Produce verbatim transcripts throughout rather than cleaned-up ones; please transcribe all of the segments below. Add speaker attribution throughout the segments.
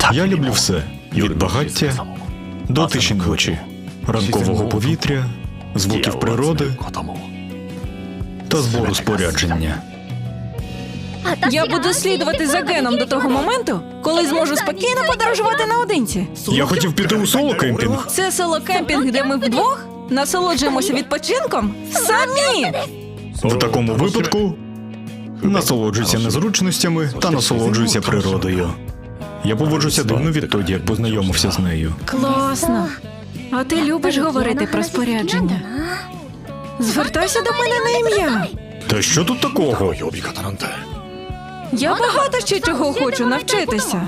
Speaker 1: Я люблю все. Від багаття до тиші ночі, ранкового повітря, звуків природи та збору спорядження.
Speaker 2: Я буду слідувати за Геном до того моменту, коли зможу спокійно подорожувати наодинці.
Speaker 1: Я хотів піти у соло-кемпінг.
Speaker 2: Це село-кемпінг, де ми вдвох насолоджуємося відпочинком самі.
Speaker 1: В такому випадку насолоджуйся незручностями та насолоджуйся природою. Я поводжуся дивно відтоді, як познайомився з нею.
Speaker 2: Класно. А ти любиш говорити про спорядження? Звертайся до мене на ім'я.
Speaker 1: Та що тут такого?
Speaker 2: Я багато ще чого хочу навчитися.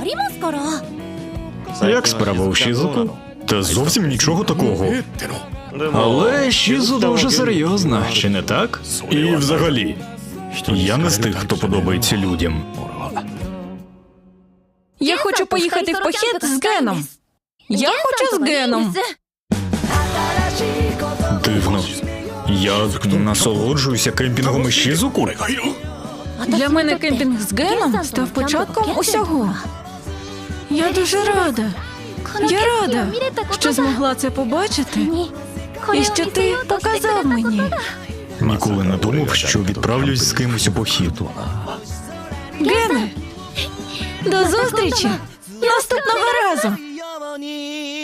Speaker 1: Як справа у Шізуку? Та зовсім нічого такого. Але Шізу дуже серйозна, чи не так? І взагалі, я не з тих, хто подобається людям.
Speaker 2: Я хочу поїхати в похід з Геном. Я хочу з Геном.
Speaker 1: Дивно. Я насолоджуюся кемпінгом із Шізуку?
Speaker 2: Для мене кемпінг з Геном став початком усього. Я дуже рада. Я рада, що змогла це побачити і що ти показав мені.
Speaker 1: Ніколи не думав, що відправлюсь з кимось у похід.
Speaker 2: Гене, до зустрічі наступного разу.